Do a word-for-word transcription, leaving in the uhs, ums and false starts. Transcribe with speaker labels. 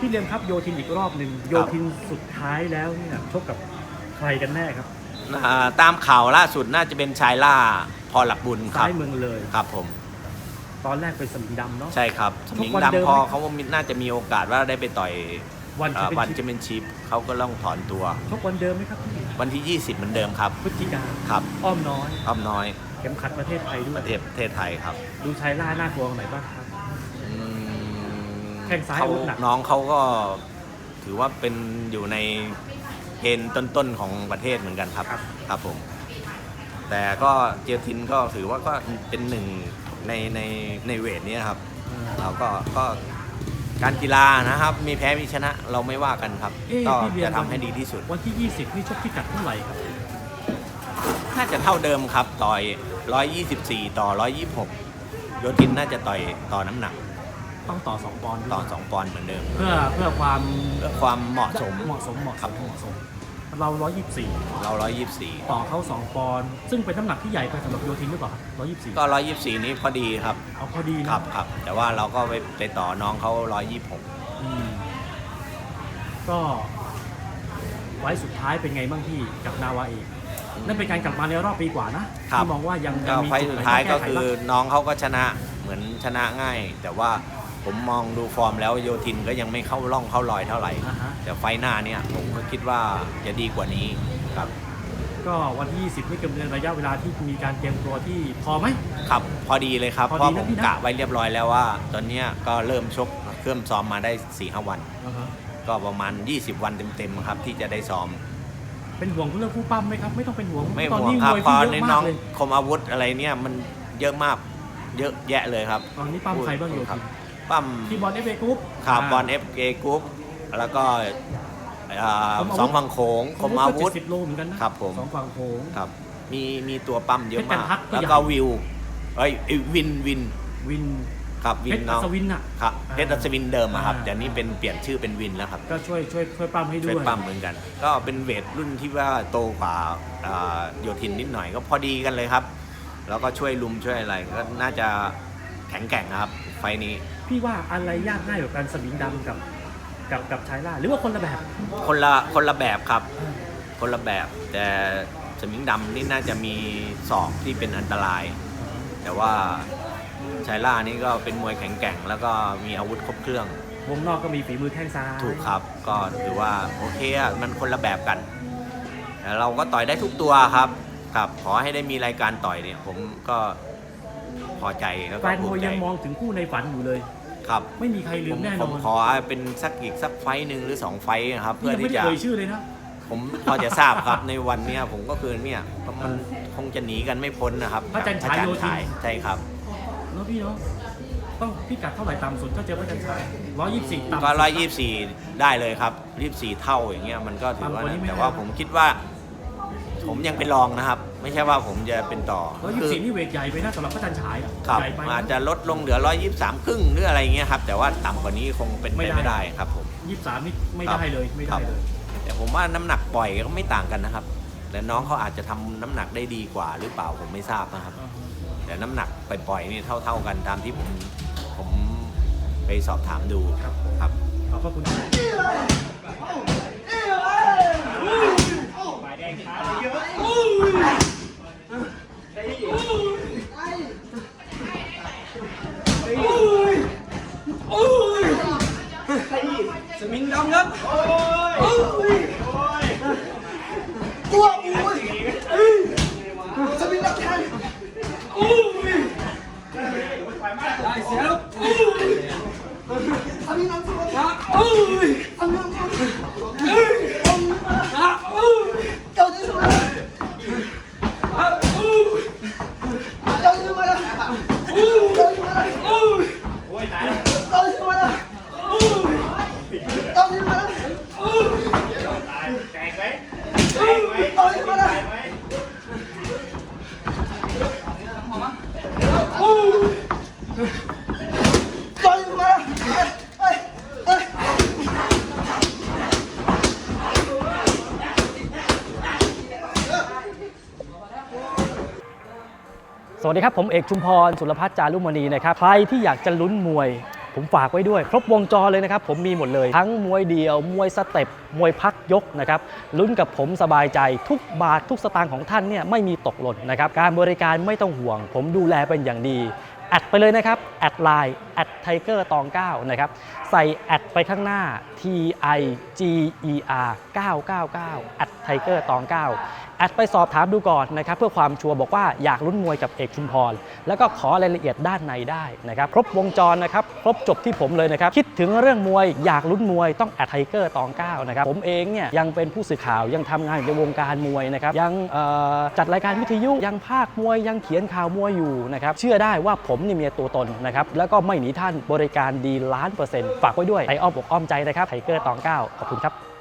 Speaker 1: พี่เลียมครับโยธินอีกรอบหนึ่งโยธินสุดท้ายแล้วเนี่ยชกกับใครกันแน่ครับ
Speaker 2: ตามข่าวล่าสุดน่าจะเป็นชายล่าพอหลักบุญครับ
Speaker 1: ซ้ายเมืองเลย
Speaker 2: ครับผม
Speaker 1: ตอนแรกเป็นสมิงดำเนาะ
Speaker 2: ใช่ครับสมิงดำพอเขาน่าจะมีโอกาสว่าได้ไปต่อยวันวันแชมเปี้ยนชิพเขาก็ต้องถอนตัว
Speaker 1: ชกวันเดิมไหมครับ
Speaker 2: วันที่ยี่สิบเหมือนเดิมครับ
Speaker 1: พฤศจิกา
Speaker 2: ครับ
Speaker 1: อ้อมน้อย
Speaker 2: อ้อมน้อย
Speaker 1: เข็มขัดประเทศไทยด้วย
Speaker 2: ประเทศประเทศไทยครับ
Speaker 1: ดูชายล่าน่ากลัวไหนบ้างครับแข้งซ้าย
Speaker 2: หนักน้องเขาก็ถือว่าเป็นอยู่ในเกณฑ์ต้นๆของประเทศเหมือนกันครับครับผมแต่ก็เจียทินก็ถือว่าก็เป็นหนึ่งในในในเวทนี้ครับเราก็ก็การกีฬานะครับมีแพ้มีชนะเราไม่ว่ากันครับก็จะทำให้ดีที่สุด
Speaker 1: วันที่ยี่สิบนี่ชกพิกัดเท่าไหร่ครับ
Speaker 2: น่าจะเท่าเดิมครับต่อยหนึ่งร้อยยี่สิบสี่ต่อหนึ่งร้อยยี่สิบหกโยทินน่าจะต่อยต่อน้ำหนัก
Speaker 1: ต้องต่อสองปอนด์
Speaker 2: ต่อสองปอนด์เหมือนเดิม
Speaker 1: เพื่อเพื่อความ
Speaker 2: เพื่อความเหมาะสม
Speaker 1: เหมาะสมเหมาะสมเหมาะสมเราหนึ่งร้อยยี่สิบสี่
Speaker 2: เราหนึ่งร้อยยี่สิบสี่
Speaker 1: ต่อเขาสองปอนด์ซึ่งเป็นน้ำหนักที่ใหญ่ไปสำหรับโยทินหรือเปล่าหนึ่งร้อยยี่สิบสี่
Speaker 2: ก็หนึ่งร้อยยี่สิบสี่นี้พอดีครับ
Speaker 1: เอาพอดีนะครับ
Speaker 2: ครับแต่ว่าเราก็ไปไปต่อน้องเขาหนึ่งร้อยยี่สิบหก
Speaker 1: ก็ไว้สุดท้ายเป็นไงบ้างพี่กับนาวาเอกนั่นเป็นการกลับมาในรอบปีกว่านะที่มองว่ายัง
Speaker 2: มีไฟสุดท้ายก็คือน้องเขาก็ชนะเหมือนชนะง่ายแต่ว่าผมมองดูฟอร์มแล้วโยทินก็ยังไม่เข้าร่องเข้ารอยเท่าไหร่แต่ไฟหน้าเนี่ยผมก็คิดว่าจะดีกว่านี้ครับ
Speaker 1: ก็วันที่ยี่สิบนี่กำเนิดระยะเวลาที่มีการเตรียมตัวที่พอไหม
Speaker 2: ครับพอดีเลยครับเพราะผมกะไว้เรียบร้อยแล้วว่าตอนนี้ก็เริ่มชกเครื่องซ้อมมาได้ สี่ห้า วันก็ประมาณยี่สิบวันเต็มๆครับที่จะได้ซ้อม
Speaker 1: เป็นห่วงเรื่องผู้ปั้มไหมครับไม่ต้องเป็นห่วง
Speaker 2: ไม่ห่วงครับพอในน้องคมอาวุธอะไรเนี่ยมันเยอะมากเยอะแยะเลยครับ
Speaker 1: ตอนนี้ปั้มใครบ้างอยู่ครับ
Speaker 2: ปั้ม
Speaker 1: ที่บอลเอฟเอกรุ๊ป
Speaker 2: ครับบอลเอฟเอกรุ๊ปแล้วก็สองฝั่งโขงคมอาวุธ
Speaker 1: สิบโลเหมือนกันนะครับ
Speaker 2: ผม
Speaker 1: สองฝั่งโขง
Speaker 2: ครับมีมีตัวปั้มเยอะมากแล้วก็วิวเอ้ยวินวิน
Speaker 1: วิน
Speaker 2: ครับวินน้อง
Speaker 1: เพชรอัศวินอ่ะ
Speaker 2: ครับเพชรอัศวินเดิมครับแต่นี้เป็นเปลี่ยนชื่อเป็นวินแล้วครับ
Speaker 1: ก็ช่วยช่วยช่วยปั้มให้ด้วยช่วย
Speaker 2: ปั้มเหมือนกันก็เป็นเวทรุ่นที่ว่าโตกว่าโยธินนิดหน่อยก็พอดีกันเลยครับแล้วก็ช่วยลุมช่วยอะไรก็น่าจะแข็งแกร่งครับไฟนี้
Speaker 1: พี่ว่าอะไรยากง่ายกว่ากันสมิงดำกับกับกับชายล่าหรือว่าคนละแบบ
Speaker 2: คนละคนละแบบครับคนละแบบแต่สมิงดำนี่น่าจะมีศอกที่เป็นอันตรายแต่ว่าชายล่านี่ก็เป็นมวยแข็งแกร่งแล้วก็มีอาวุธครบเครื่อง
Speaker 1: วงนอกก็มีฝีมือแข้งซ้าย
Speaker 2: ถูกครับก็ถือว่าโอเคอ่ะมันคนละแบบกันแต่เราก็ต่อยได้ทุกตัวครับครับขอให้ได้มีรายการต่อยเนี่ยผมก็พอใจแล้วก็ภูมิใจ
Speaker 1: แฟนมวยยังมองถึงคู่ในฝันอยู่เลย
Speaker 2: ครับ
Speaker 1: ไม่มีใครลืมแน่นอนผม
Speaker 2: ขอเป็นสักอีกสักไฟหนึ่งหรือสองไฟครับ
Speaker 1: เพื่อที่จะไม่ได้เอ่ยชื่อเลยนะ
Speaker 2: ผมพอจะทราบครับในวันนี้ผมก็คือเนี่ยมันคงจะหนีกันไม่พ้นนะครับ
Speaker 1: พระจันทร์ฉายโยธิน
Speaker 2: ใช่ครับ
Speaker 1: แล้วพี่เนาะต้องพิกัดเท่าไหร่ต่ำสุดก็เจอพระจันทร์ฉายร้อยยี่สิบสี่ต่ำ
Speaker 2: ก็ร้อยยี่สิบสี่ได้เลยครับยี่สิบสี่เท่าอย่างเงี้ยมันก็ถือว่าแต่ว่าผมคิดว่าผมยังเป็นรองนะครับไม่ใช่ว่าผมจะเป็นต่อ
Speaker 1: ร้อยยี่สิบสี่นี่เวทใหญ่ไปนะสำหรับพระจันทร์ฉาย
Speaker 2: ครับอาจจะลดลงเหลือร้อยยี่สิบสามครึ่งหรืออะไรเงี้ยครับแต่ว่าต่ำกว่านี้คงเป็นไปไม่ได้ครับผม
Speaker 1: ยี่สิบสามนี่ไม่ได้เลยไม่ได้เลย
Speaker 2: แต่ผมว่าน้ำหนักปล่อยก็ไม่ต่างกันนะครับแต่น้องเขาอาจจะทำน้ำหนักได้ดีกว่าหรือเปล่าผมไม่ทราบนะครับแต่น้ำหนักปล่อยๆนี่เท่าๆกันตามที่ผมผมไปสอบถามดูครับ
Speaker 1: ขอบคุณ
Speaker 3: สมิงดำครับตัวอุ้ยสมิงดำแทนอุ้ยได้เสียแล้วสมิงดำสุดครับอุ้ยสมิงดำสุดอุ้ยครับอุ้ยเจ้าที่สุดครับอุ้ยเจ้าที่สุดแล้วอุ้ยเจ้าที่สุดแล้วอุ้ยโอ้ยตายแล้วเจ้าที่สุดแล้วต้องยิงมาแล้วแตกไหมแตกไหมต้องยิงมาแล้วต้องยิงมาแล้วเฮ้ยเฮ้ย
Speaker 1: สวัสดีครับผมเอกชุมพรสุรพัฒน์จารุมณีนะครับใครที่อยากจะลุ้นมวย
Speaker 4: ผมฝากไว้ด้วยครบวงจรเลยนะครับผมมีหมดเลยทั้งมวยเดี่ยวมวยสเต็ปมวยพักยกนะครับลุ้นกับผมสบายใจทุกบาททุกสตางค์ของท่านเนี่ยไม่มีตกหล่นนะครับการบริการไม่ต้องห่วงผมดูแลเป็นอย่างดีแอดไปเลยนะครับแอดไลน์แอดไทเกอร์ตองเก้านะครับใส่แอดไปข้างหน้า T I G E R เก้าเก้าเก้าแอดไทเกอร์ตองเก้าแอดไปสอบถามดูก่อนนะครับเพื่อความชัวร์บอกว่าอยากลุ้นมวยกับเอกชุมพรแล้วก็ขอรายละเอียดด้านในได้นะครับครบวงจรนะครับครบจบที่ผมเลยนะครับคิดถึงเรื่องมวยอยากลุ้นมวยต้องแอดไทเกอร์ตองเก้านะครับผมเองเนี่ยยังเป็นผู้สื่อข่าวยังทำงานอยู่ในวงการมวยนะครับยังจัดรายการวิทยุยังภาคมวยยังเขียนข่าวมวยอยู่นะครับเชื่อได้ว่าผมนี่มีตัวตนนะครับแล้วก็ไม่หนีท่านบริการดีล้านเปอร์เซ็นต์ฝากไว้ด้วยไออ้อมอกอ้อมใจนะครับไทเกอร์ตองเก้าขอบคุณครับ